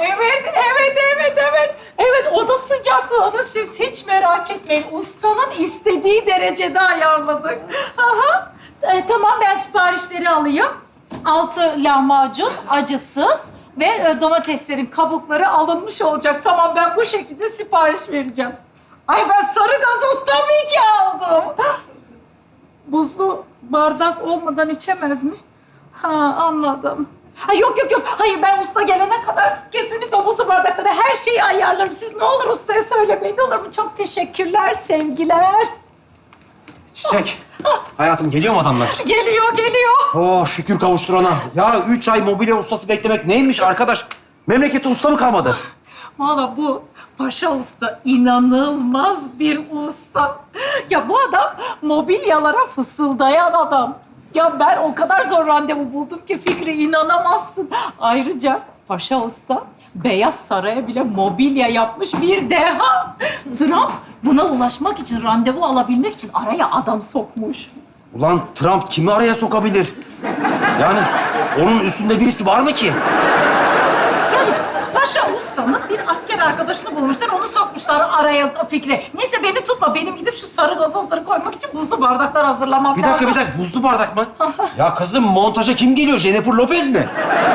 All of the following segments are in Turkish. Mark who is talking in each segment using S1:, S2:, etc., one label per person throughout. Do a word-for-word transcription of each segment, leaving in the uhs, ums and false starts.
S1: evet, evet, evet, evet. Evet, oda sıcaklığını siz hiç merak etmeyin. Ustanın istediği derecede ayarladık. Aha. E, tamam, ben siparişleri alayım. Altı lahmacun, acısız ve e, domateslerin kabukları alınmış olacak. Tamam, ben bu şekilde sipariş vereceğim. Ay, ben sarı gazoz tabii ki aldım. Buzlu bardak olmadan içemez mi? Ha, anladım. Ha, yok yok yok. Hayır, ben usta gelene kadar kesinlikle o buzlu bardaklara her şeyi ayarlarım. Siz ne olur ustaya söylemeyin, olur mu? Çok teşekkürler, sevgiler.
S2: Çiçek. Hayatım geliyor mu adamlar?
S1: Geliyor, geliyor.
S2: Oh şükür kavuşturana. Ya üç ay mobilya ustası beklemek neymiş arkadaş? Memlekette usta mı kalmadı?
S1: Vallahi bu Paşa Usta inanılmaz bir usta. Ya bu adam mobilyalara fısıldayan adam. Ya ben o kadar zor randevu buldum ki Fikri, inanamazsın. Ayrıca Paşa Usta Beyaz Saray'a bile mobilya yapmış bir deha. Trump buna ulaşmak için, randevu alabilmek için araya adam sokmuş.
S2: Ulan Trump kimi araya sokabilir? Yani onun üstünde birisi var mı ki?
S1: Yani Paşa Usta'nın bir asker arkadaşını bulmuşlar, onu sokmuşlar araya Fikri. Neyse beni tutma, benim gidip şu sarı gazozları koymak için buzlu bardaklar hazırlamam
S2: Bir
S1: lazım.
S2: dakika bir dakika buzlu bardak mı? Ya kızım montaja kim geliyor? Jennifer Lopez mi?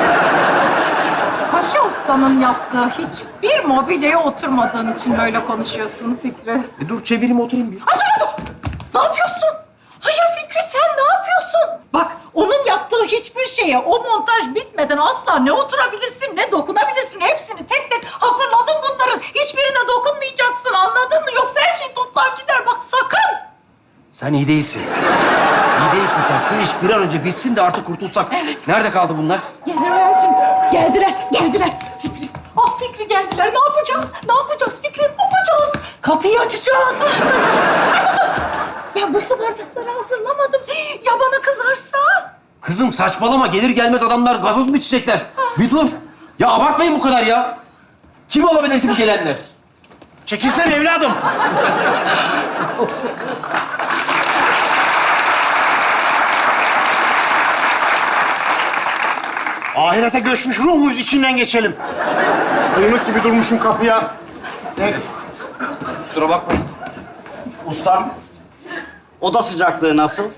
S1: Paşa Usta'nın yaptığı hiçbir mobilyaya oturmadığın için böyle konuşuyorsun Fikri.
S2: E dur çevireyim oturayım bir.
S1: Aa, dur, dur, dur. Ne yapıyorsun? Hayır Fikri, sen ne yapıyorsun? Bak, onun yaptığı hiçbir şeye o montaj bitmeden asla ne oturabilirsin ne dokunabilirsin. Hepsini tek tek hazırladım bunların. Hiçbirine dokunmayacaksın, anladın mı? Yoksa her şey toplar gider, bak sakın.
S2: Sen iyi değilsin. İyi değilsin sen. Şu iş bir an önce bitsin de artık kurtulsak. Evet. Nerede kaldı bunlar?
S1: Gelirler şimdi. Geldiler, geldiler. Fikri, ah Fikri geldiler. Ne yapacağız? Ne yapacağız Fikri? Ne yapacağız? Kapıyı açacağız. Ay, dur, dur. Ben buzlu bardakları hazırlamadım. Ya bana kızarsa?
S2: Kızım saçmalama. Gelir gelmez adamlar gazoz mu içecekler? Bir dur. Ya abartmayın bu kadar ya. Kim olabilir ki bu gelenler?
S3: Çekilsene evladım. Ahirete göçmüş ruh muyuz? İçinden geçelim. Kıymık gibi durmuşum kapıya. Sen...
S2: Kusura bakmayın.
S4: Ustam, oda sıcaklığı nasıl?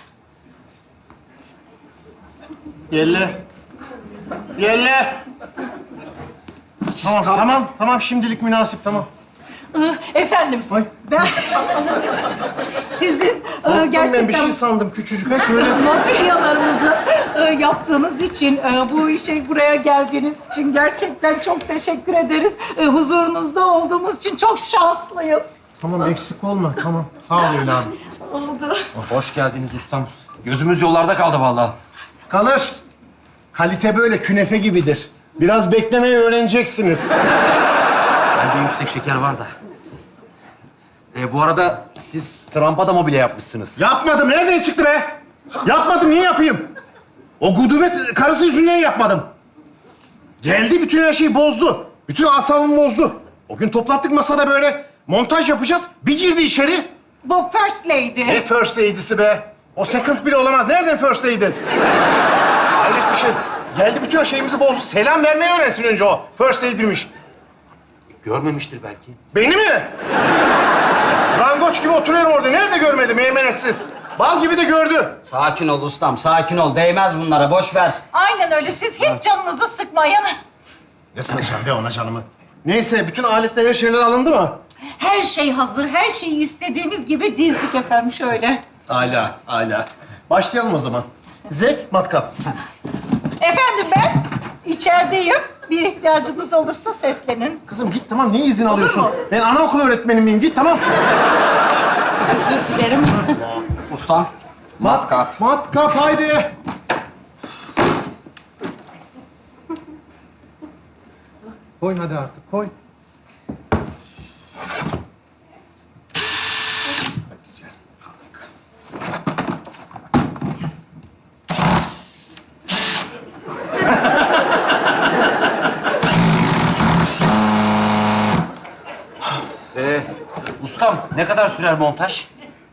S3: Yelle. Yelle. Tamam, tamam, tamam. Şimdilik münasip, tamam.
S1: Ee, Efendim,
S3: Ay.
S1: ben sizin e,
S3: Ben bir
S1: gerçekten
S3: şey sandım küçücük. Ha söyle.
S1: mobilyalarımızı e, yaptığınız için, e, bu işe buraya geldiğiniz için gerçekten çok teşekkür ederiz. E, huzurunuzda olduğumuz için çok şanslıyız.
S3: Tamam, eksik olma. Tamam. Sağ ol evladım.
S1: Oldu.
S2: Hoş geldiniz ustam. Gözümüz yollarda kaldı vallahi.
S3: Kalır. Kalite böyle künefe gibidir. Biraz beklemeyi öğreneceksiniz.
S2: Bende yüksek şeker var da. Ee, bu arada siz Trump'a da mobilya yapmışsınız.
S3: Yapmadım. Nereden çıktı be? Yapmadım. Niye yapayım? O gudubet karısı yüzünden yapmadım. Geldi, bütün her şeyi bozdu. Bütün asabımı bozdu. O gün toplattık masada böyle. Montaj yapacağız. Bir girdi içeri.
S1: Bu First Lady.
S3: Ne first lady'si be? O second bile olamaz. Nereden first lady? Hayret bir şey. Geldi, bütün her şeyimizi bozdu. Selam vermeyi öğrensin önce o. First lady'miş.
S2: Görmemiştir belki.
S3: Beni mi? Zangoç gibi oturuyorum orada. Nerede görmedi meymenetsiz? Bal gibi de gördü.
S4: Sakin ol ustam, sakin ol. Değmez bunlara, boş ver.
S1: Aynen öyle. Siz hiç canınızı sıkmayın.
S3: Ne sıkacağım be ona canımı? Neyse, bütün aletler, her şeyler alındı mı?
S1: Her şey hazır. Her şeyi istediğiniz gibi dizdik efendim şöyle.
S3: Hala, hala. Başlayalım o zaman. Zek, matkap.
S1: Efendim ben içerideyim. Bir ihtiyacınız olursa seslenin.
S3: Kızım git, tamam. Niye izin alıyorsun?
S1: mu?
S3: Ben anaokulu öğretmeni miyim? Git, tamam.
S1: Özür dilerim.
S4: Ustam, matkap.
S3: Matkap, haydi. Koy hadi artık, koy.
S2: Ee, ustam ne kadar sürer montaj?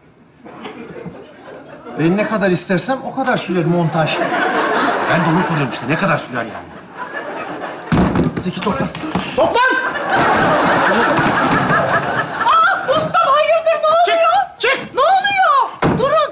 S3: Ben ne kadar istersem o kadar sürer montaj.
S2: Ben de onu soruyorum işte. Ne kadar sürer yani?
S3: Zeki toplan. Toplan!
S1: Aa, ustam hayırdır ne oluyor?
S3: Çık, çık!
S1: Ne oluyor? Durun.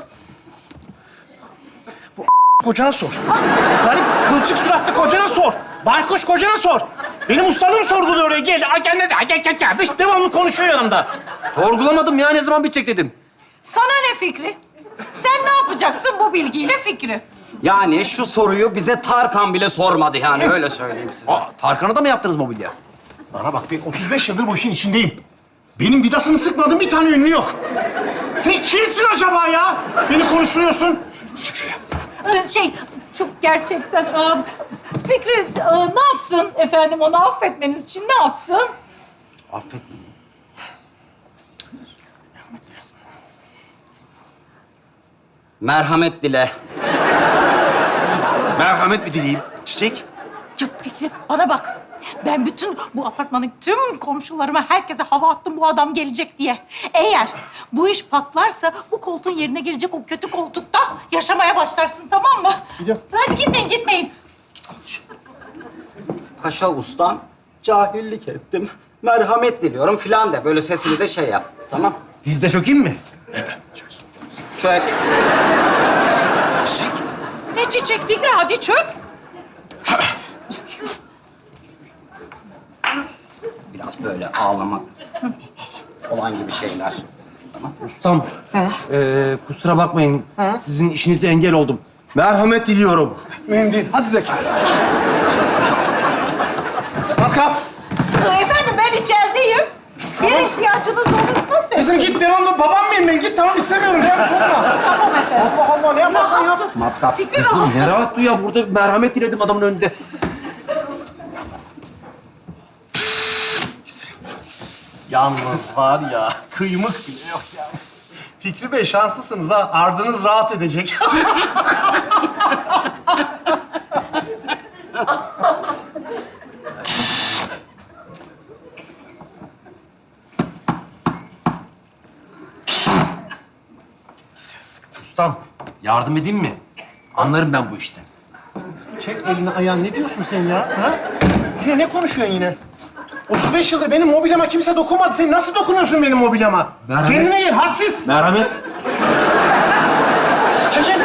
S3: Kocana sor. Garip kılçık suratlı kocana sor. Baykuş kocana sor. Benim ustalığım sorguluyor oraya. Gel, gel, gel, gel, gel, gel. Beş devamlı konuşuyor yanımda.
S2: Sorgulamadım ya, ne zaman bitecek dedim.
S1: Sana ne Fikri? Sen ne yapacaksın bu bilgiyle Fikri?
S4: Yani şu soruyu bize Tarkan bile sormadı yani öyle söyleyeyim size.
S2: Aa, Tarkan'a da mı yaptınız mobilya?
S3: Bana bak, ben otuz beş yıldır bu işin içindeyim. Benim vidasını sıkmadığım bir tane ünlü yok. Sen kimsin acaba ya? Beni konuşturuyorsun. Çık şuraya.
S1: Ee, Şey, çok gerçekten... e, Fikri e, ne yapsın efendim? Onu affetmeniz için ne yapsın?
S4: Affetme. Merhamet dile.
S2: Merhamet mi dileyim? Çiçek?
S1: Ya Fikri bana bak. Ben bütün bu apartmanın tüm komşularıma, herkese hava attım bu adam gelecek diye. Eğer bu iş patlarsa bu koltuğun yerine gelecek o kötü koltukta yaşamaya başlarsın, tamam mı?
S3: Gidiyorum.
S1: Hadi gitmeyin, gitmeyin.
S4: Paşa ustam, cahillik ettim. Merhamet diliyorum filan de. Böyle sesini de şey yap. Tamam.
S2: Dizde çökeyim mi?
S4: Çök.
S2: Çiçek.
S1: Ne çiçek Fikri, hadi çök.
S4: Biraz böyle ağlamak falan gibi şeyler.
S2: Ustam, ee, kusura bakmayın. Sizin işinize engel oldum. Merhamet diliyorum.
S3: Mühim değil. Hadi Zeki. Matkap.
S1: Ee, Efendim ben içerideyim. Bir ihtiyacınız olursa ses.
S3: Kızım git, devamlı babam mıyım ben? Git, tamam, istemiyorum. Devam, sorma.
S1: Tamam efendim.
S3: Allah Allah, ne yaparsan yap.
S1: Rahat dur.
S4: Matkap.
S1: Fikri rahat dur.
S2: Ne rahat dur ya, burada merhamet diledim adamın önünde.
S3: Yalnız var ya, kıymık bile yok ya. Fikri Bey şanslısınız ha. Ardınız rahat edecek.
S2: Ustam, yardım edeyim mi? Anlarım ben bu işten.
S3: Çek elini ayağını. Ne diyorsun sen ya? Ha? Yine ne konuşuyorsun yine? otuz beş yıldır benim mobilyama kimse dokunmadı. Sen nasıl dokunuyorsun benim mobilyama?
S2: Merhamet.
S3: Kendine gel, hadsiz.
S2: Merhamet.
S3: Çekil.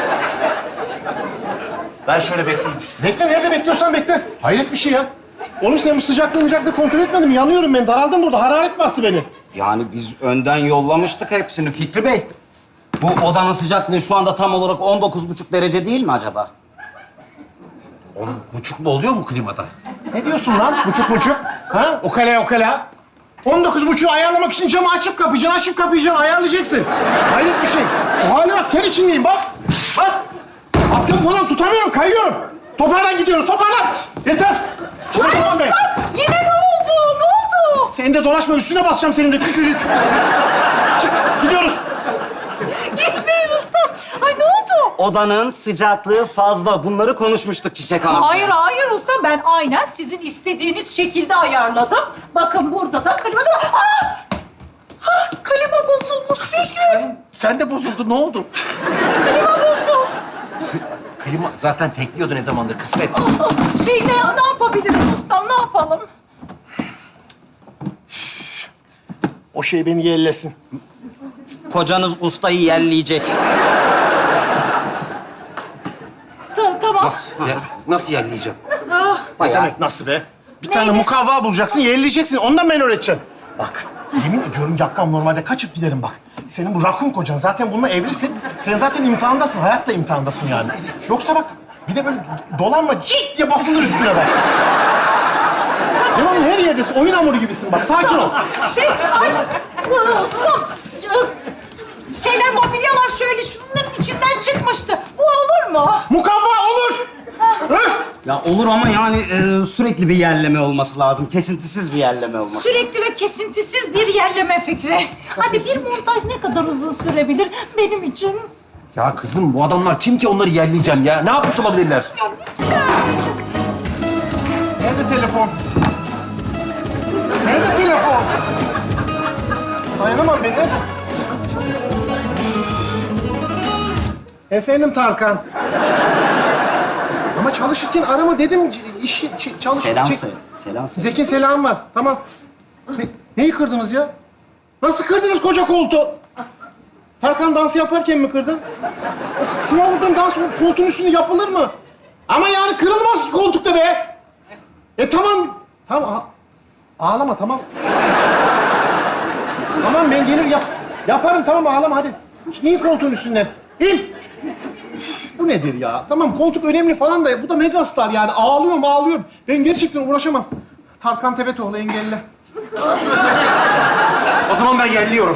S2: Ben şöyle bekleyeyim.
S3: Bekle, nerede bekliyorsan bekle. Hayret bir şey ya. Oğlum sen bu sıcaklığı sıcaklığı kontrol etmedin mi? Yanıyorum ben, daraldım burada. Hararet bastı beni.
S4: Yani biz önden yollamıştık hepsini Fikri Bey. Bu odanın sıcaklığı şu anda tam olarak on dokuz buçuk derece değil mi acaba?
S2: Onun buçuklu oluyor mu klimada?
S3: Ne diyorsun lan? Buçuk buçuk. Ha? Okala okala. on dokuz buçuğu ayarlamak için camı açıp kapayacaksın, açıp kapayacaksın, ayarlayacaksın. Hayret bir şey. Şu hale bak, ter içindeyim bak. Bak. Atkımı falan tutamıyorum, kayıyorum. Toparlan gidiyoruz, toparlan. Yeter. Toparlan be.
S1: Yine ne oldu? Ne oldu?
S3: Sen de dolaşma, üstüne basacağım senin de küçücük. Çık, gidiyoruz.
S1: Gitmeyin ustam. Ay ne oldu?
S4: Odanın sıcaklığı fazla. Bunları konuşmuştuk Çiçek Hanım.
S1: Hayır hayır usta, ben aynen sizin istediğiniz şekilde ayarladım. Bakın burada da klima da... Ah! Ah, klima bozulmuş Fikri.
S2: Sen, sen de bozuldun, ne oldu?
S1: Klima bozuldu.
S2: Klima zaten tekliyordu ne zamandır, kısmet.
S1: Ah, Şey ne, ne yapabiliriz ustam, ne yapalım?
S3: O şey beni yerlesin.
S4: Kocanız ustayı yelleyecek.
S1: Ta- tamam.
S2: Nasıl? Ya, nasıl yerleyeceğim?
S1: Ah,
S3: Ne
S4: Bayağı.
S3: demek nasıl be? Bir
S1: Ne,
S3: tane
S1: ne?
S3: mukavva bulacaksın, yerleyeceksin. Ondan ben öğreteceğim. Bak, yemin ediyorum yapmam, normalde kaçıp giderim bak. Senin bu rakun kocan, zaten bununla evlisin. Sen zaten imtihandasın, hayatla imtihandasın yani. Yoksa bak, bir de böyle dolanma, cik diye basılır üstüne bak. Devamlı her yerdesin, oyun hamuru gibisin bak, sakin ol.
S1: şey, ay ah, ustam. Şeyler, mobilyalar şöyle şunların içinden çıkmıştı. Bu olur mu?
S3: Mukavva olur! Öf!
S4: Ya olur ama yani e, sürekli bir yerleme olması lazım. Kesintisiz bir yerleme olması.
S1: Sürekli ve kesintisiz bir yerleme fikri. Hadi bir montaj ne kadar uzun sürebilir benim için?
S2: Ya kızım, bu adamlar kim ki onları yerleyeceğim ya? Ne yapmış olabilirler?
S1: Ya lütfen.
S3: Nerede telefon? Nerede telefon? Dayanamam beni. Efendim Tarkan. Ama çalışırken arama dedim. İş, ç- çalış...
S4: Selam
S3: çek-
S4: söyle. Selam söyle.
S3: Zeki selam var. Tamam. Ne, neyi kırdınız ya? Nasıl kırdınız koca koltuğu? Tarkan dansı yaparken mi kırdın? Kuma vurdun dans koltuğun üstünde yapılır mı? Ama yani kırılmaz ki koltukta be. E tamam. Tamam. a- Ağlama tamam. Tamam ben gelir yap. Yaparım tamam ağlama hadi. İn koltuğun üstünden. İn. Bu nedir ya? Tamam koltuk önemli falan da bu da megastar yani. Ağlıyorum ağlıyorum. Ben gerçekten uğraşamam. Tarkan Tebetoğlu engelli.
S2: O zaman ben yerliyorum.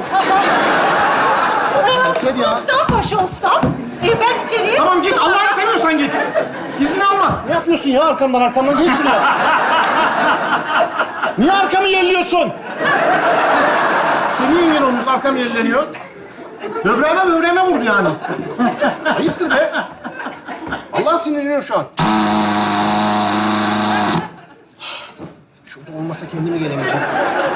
S3: Yeter ya.
S1: Ustam, paşa ustam. E, ben içeriye...
S3: Tamam git Allah'ını seviyorsan git. İzin alma. Ne yapıyorsun ya arkamdan arkamdan? Geç şuraya. Niye arkamı yerliyorsun? Sen niye engel olmuşsun? Arkam yerleniyor. Böbreğime böbreğime vurdu yani. Ayıptır be. Allah sinirleniyor şu an. Şurada olmasa kendime gelemeyeceğim.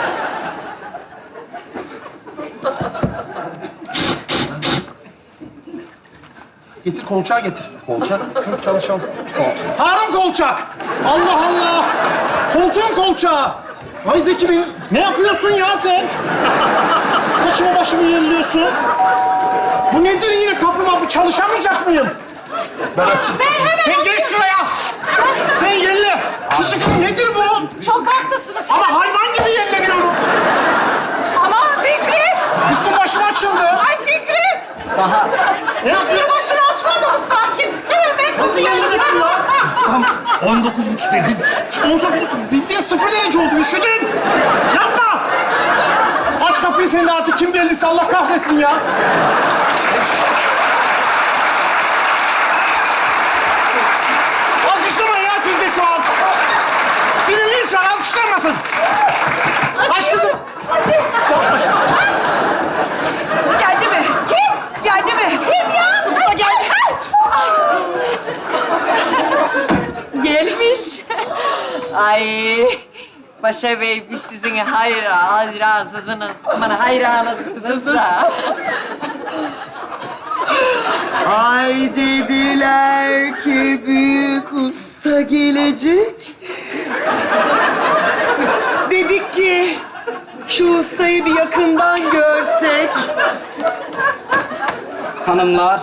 S3: Getir kolçağı getir.
S2: Kolçak.
S3: Hı, çalışalım. Kolçak. Harun kolçak. Allah Allah. Koltuğun kolçağı. Ay Zeki Bey, ne yapıyorsun ya sen? Saçımı başımı yerliyorsun. Bu nedir yine kapı mapı? Çalışamayacak mıyım?
S2: Ben açayım.
S1: Ben hemen...
S3: Sen geç şuraya. Sen yerle. Kışıklı nedir bu?
S1: Çok haklısınız.
S3: Ama hayvan gibi yerleniyorum.
S1: Aman Fikri!
S3: Üstüm başım açıldı.
S1: Ay Fikri!
S4: Daha
S3: Ne
S1: Bir
S3: yapıyorsun?
S1: başını açmadım sakin. Hemen ben
S3: Nasıl yerlenecek bu ya?
S2: Tam on dokuz buçuk dedin.
S3: on dokuz, bildiğin sıfır derece oldu. Üşüdüm. Yapma. Aç kapıyı sen de artık. Kim geldiyse Allah kahretsin ya. Alkışlamayın ya siz de şu an. Sinirliyim şu an. Alkışlanmasın. Aç kızım.
S1: Geldi mi? Kim? Geldi mi? Kim ya? Usta geldi.
S5: Gelmiş. Ay Paşa Bey biz sizin hayır hayranısınız. Aman hayranısınız da.
S6: Ay dediler ki büyük usta gelecek. Dedik ki şu ustayı bir yakından görsek.
S4: hanımlar.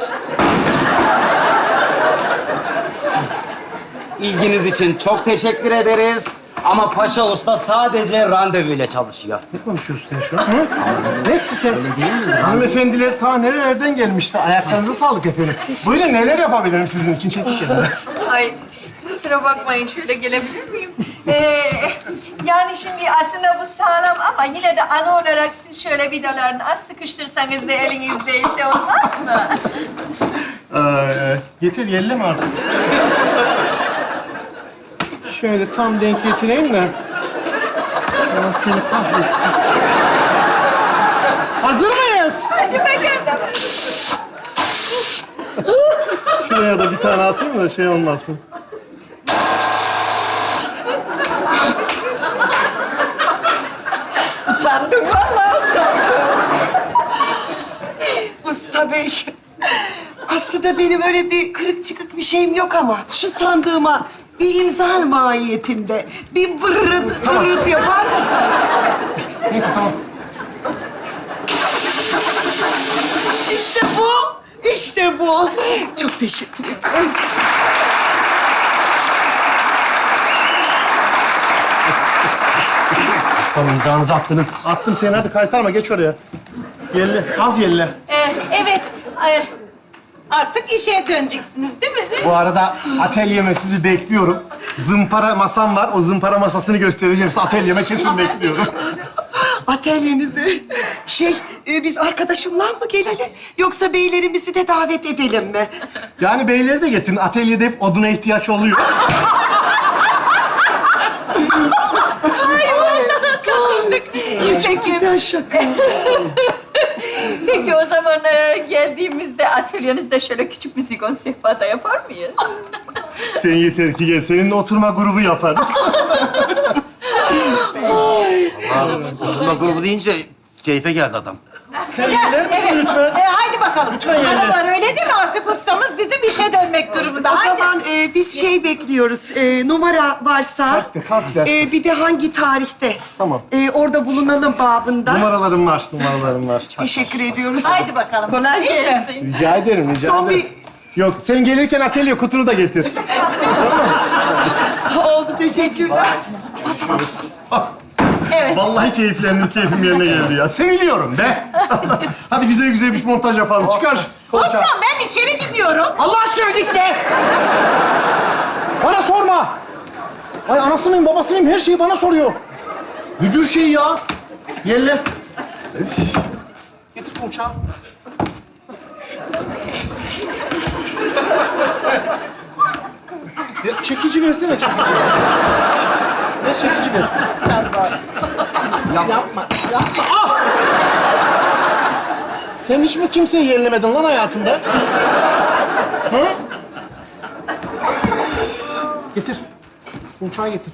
S4: İlginiz için çok teşekkür ederiz. Ama Paşa Usta sadece randevuyla çalışıyor.
S3: Ne konuşuyorsun sen şu an? Hı? Ne sen? Öyle değil mi? Hanımefendiler ta nerelerden gelmişti. Ayaklarınıza sağlık efendim. Buyurun neler yapabilirim sizin için? Çekik gelin.
S5: Ay kusura bakmayın şöyle gelebilir miyim? Ee, yani şimdi aslında bu sağlam ama yine de ana olarak siz şöyle vidalarını az sıkıştırsanız da elinizdeyse olmaz mı?
S3: Ee, getir yelleme artık. Şöyle tam denk getireyim de. Allah seni kahretsin. Hazır mıyız?
S5: Hadi bakalım.
S3: Şuraya da bir tane atayım da şey olmasın.
S5: Utandım vallahi utandım.
S6: Usta Bey, aslında benim öyle bir kırık çıkık bir şeyim yok ama şu sandığıma bir imza mahiyetinde bir vırrıt vırrıt yapar mısınız?
S3: Neyse tamam.
S6: İşte bu, işte bu. Çok teşekkür ederim.
S2: Tamam imzanızı attınız.
S3: Attım seni hadi kaytarma geç oraya. Yelle, az yelle.
S1: Ee, evet. Ee, artık işe döneceksiniz değil mi?
S3: Bu arada atölyeme sizi bekliyorum. Zımpara masam var. O zımpara masasını göstereceğim size. Atölyeme kesin bekliyorum.
S6: Atölyenize. Şey, e, biz arkadaşımla mı gelelim? Yoksa beylerimizi de davet edelim mi?
S3: Yani beyleri de getirin. Atölyede hep oduna ihtiyaç oluyor.
S5: Peki,
S6: Güzel şaka.
S5: peki o zaman e, geldiğimizde atölyenizde şöyle küçük bir zigon sehpada yapar mıyız?
S3: Sen yeter ki gel. Seninle oturma grubu yaparız.
S2: Oturma grubu deyince keyfe geldi adam.
S3: Sen gelir misin lütfen?
S1: Ee, haydi bakalım. bakalım.
S3: Lütfen yerine.
S1: Hanımlar öyle değil mi? Artık ustamız bizim işe dönmek durumunda.
S6: O
S1: Haydi.
S6: zaman e, biz şey bekliyoruz. E, numara varsa.
S3: Harf ver, harf ver.
S6: e, bir de hangi tarihte?
S3: Tamam.
S6: E, orada bulunalım babında.
S3: Numaralarım var, numaralarım var.
S6: Teşekkür ediyoruz.
S1: Haydi bakalım.
S5: Kolay
S1: Değil mi?
S5: gelsin.
S3: Rica ederim, rica
S6: Son
S3: ederim. Yok, sen gelirken atölye kutunu da getir.
S6: Oldu, teşekkürler.
S1: Evet.
S3: Vallahi keyiflendim, keyfim yerine geldi ya. Seviliyorum be. Hadi güzel güzel bir montaj yapalım. Çıkar şu...
S1: Ustam ben içeri gidiyorum.
S3: Allah aşkına git be! Bana sorma! Ay anası mıyım, babası mıyım? Her şeyi bana soruyor. Vücut şey ya. Yelle. Üf. Getir uçağı. Ya çekici versene, çekici. Ver çekici ver. Biraz daha. Yap. Yapma, yapma. Ah! Sen hiç mi kimseyi yerlemedin lan hayatında? Hı? Getir. Uçağı getir.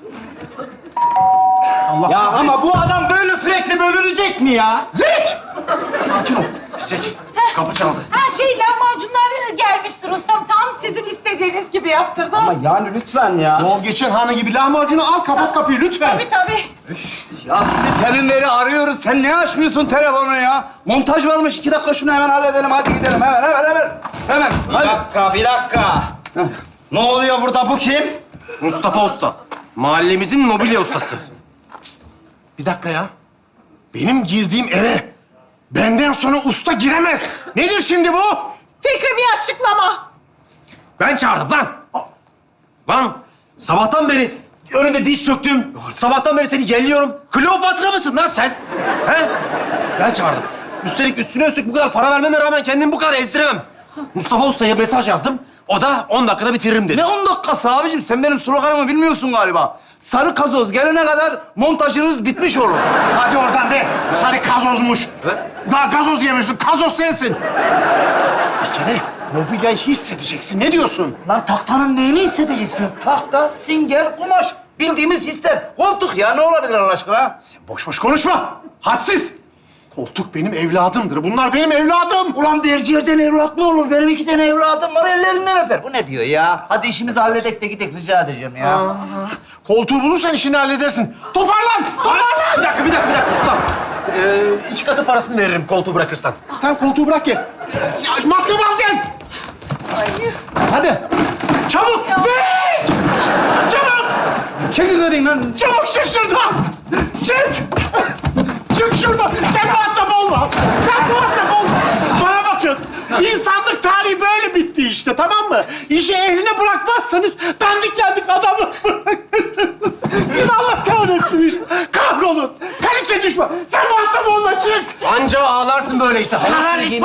S3: Allah
S4: Ya
S3: kahretsin.
S4: ama bu adam böyle sürekli bölünecek mi ya?
S3: Zek! Sakin ol.
S2: Çiçek. Kapı çaldı.
S1: Ha şey lahmacunlar gelmiştir ustam. Tam sizin istediğiniz gibi yaptırdım.
S4: Ama yani lütfen ya.
S3: Yol geçen hanı gibi lahmacunu al, kapat kapıyı lütfen.
S1: Tabii tabii.
S4: Ya sizi teminleri arıyoruz. Sen ne açmıyorsun telefonu ya? Montaj varmış. iki dakika şunu hemen halledelim. Hadi gidelim. Hemen, hemen, hemen. Hemen. Bir
S2: Hadi.
S4: dakika, bir dakika. Ne oluyor burada? Bu kim?
S2: Mustafa Usta. Mahallemizin mobilya ustası.
S3: Bir dakika ya. Benim girdiğim eve benden sonra usta giremez. Nedir şimdi bu?
S1: Fikri bir açıklama.
S2: Ben çağırdım lan. Lan sabahtan beri önünde diz çöktüm. Sabahtan beri seni yelliyorum. Kleopatra mısın lan sen? He? Ben çağırdım. Üstelik üstüne üstlük bu kadar para vermeme rağmen kendimi bu kadar ezdiremem. Mustafa Usta'ya mesaj yazdım. O da on dakikada bitiririm dedi.
S7: Ne on dakikası abicim? Sen benim sloganımı bilmiyorsun galiba. Sarı kazoz gelene kadar montajınız bitmiş olur.
S3: Hadi oradan be. Sarı gazozmuş. Daha gazoz yemiyorsun. Kazoz sensin. Bir kere mobilyayı hissedeceksin. Ne diyorsun?
S7: Lan tahtanın neyini hissedeceksin? Tahta, singer, kumaş. Bildiğimiz sistem. Koltuk ya ne olabilir Allah aşkına?
S3: Sen boş boş konuşma. Hadsiz. Koltuk benim evladımdır. Bunlar benim evladım.
S7: Ulan bir yerden evlat mı olur? Benim iki tane evladım var ellerinden öper. Bu ne diyor ya? Hadi işimizi halledek de gidek rica edeceğim ya.
S3: Aa, koltuğu bulursan işini halledersin. Toparlan. Toparlan.
S2: Bir dakika, bir dakika, bir dakika usta. Ee, iki katı parasını veririm koltuğu bırakırsan.
S3: Tamam koltuğu bırak gel. Ya, matkabı al gel.
S7: Hadi.
S3: Çabuk. Zek! Çabuk.
S7: Çekil dedin lan.
S3: Çabuk çık şuradan. Çık. Çık şuradan. Sen muhatap olma. Sen muhatap olma. Bana bakın. İnsanlık tarihi böyle bitti işte, tamam mı? İşi ehline bırakmazsanız dandik dandik adamı bırakırsınız. Siz Allah kahretsin işte. Kahrolun. Kalite düşman. Sen muhatap olma, çık.
S2: Anca ağlarsın böyle işte.
S3: Hayır.
S1: Ay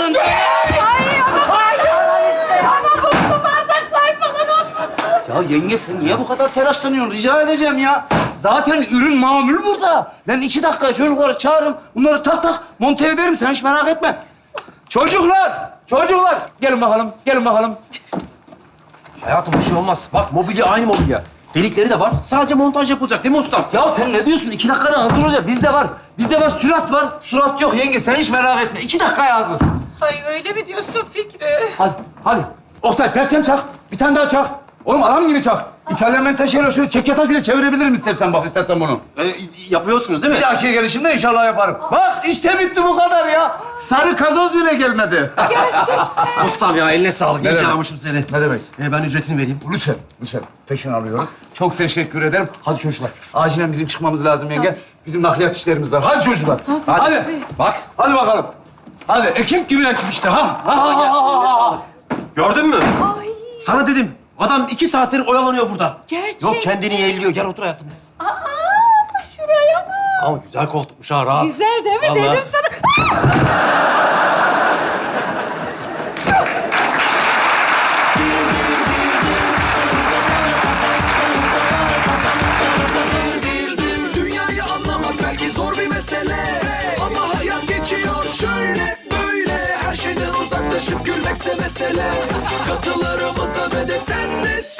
S1: ama ama bu su bardaklar falan olsun.
S7: Ya yenge sen niye bu kadar telaşlanıyorsun? Rica edeceğim ya. Zaten ürün mamul burada. Ben iki dakika çocukları çağırırım. Bunları tak tak monte ederim. Sen hiç merak etme. Çocuklar, çocuklar. Gelin bakalım, gelin bakalım.
S2: Hayatım bir şey olmaz. Bak mobilya aynı mobilya. Delikleri de var. Sadece montaj yapılacak değil mi ustam?
S7: Ya sen ne diyorsun? İki dakikada hazır olacak. Bizde var. Bizde var, sürat var. Surat yok yenge. Sen hiç merak etme. İki dakikaya hazır.
S1: Ay öyle mi diyorsun Fikri?
S7: Hadi, hadi. Oktay, perçem çak. Bir tane daha çak. Oğlum adam gibi çak. İtalyan menteşeyle şöyle çek yataş bile çevirebilirim istersen bak, istersen bunu.
S2: Ee, yapıyorsunuz değil mi?
S7: Bir dahaki gelişimde inşallah yaparım. Bak işte bitti bu kadar ya. Sarı kazoz bile gelmedi.
S2: Ustam ya eline sağlık. İyi
S7: demek?
S2: ki aramışım seni.
S7: Ne demek?
S2: Ee, ben ücretini vereyim.
S7: Lütfen, lütfen. Peşin alıyoruz. Çok teşekkür ederim. Hadi çocuklar. Acilen bizim çıkmamız lazım yenge. Bizim nakliyat işlerimiz var. Hadi çocuklar. Hadi. Hadi. Bak. Hadi bakalım. Hadi. Ekip gibi ekip işte. Ha. Ha, ha, ha, ha, ha.
S2: Gördün mü? Sana dedim. Adam iki saattir oyalanıyor burada.
S1: Gerçekten.
S2: Yok kendini yeğliyor. Gel otur hayatım.
S1: Aa, şuraya bak.
S2: Ama güzel koltukmuş ha, rahat.
S1: Güzel değil mi?
S2: Vallahi.
S1: Dedim sana.
S8: Dünyayı anlamak belki zor bir mesele, ama hayat geçiyor şöyle böyle. Her şeyden uzaklaşıp gülmekse mesele. Katılarımıza ve de sen de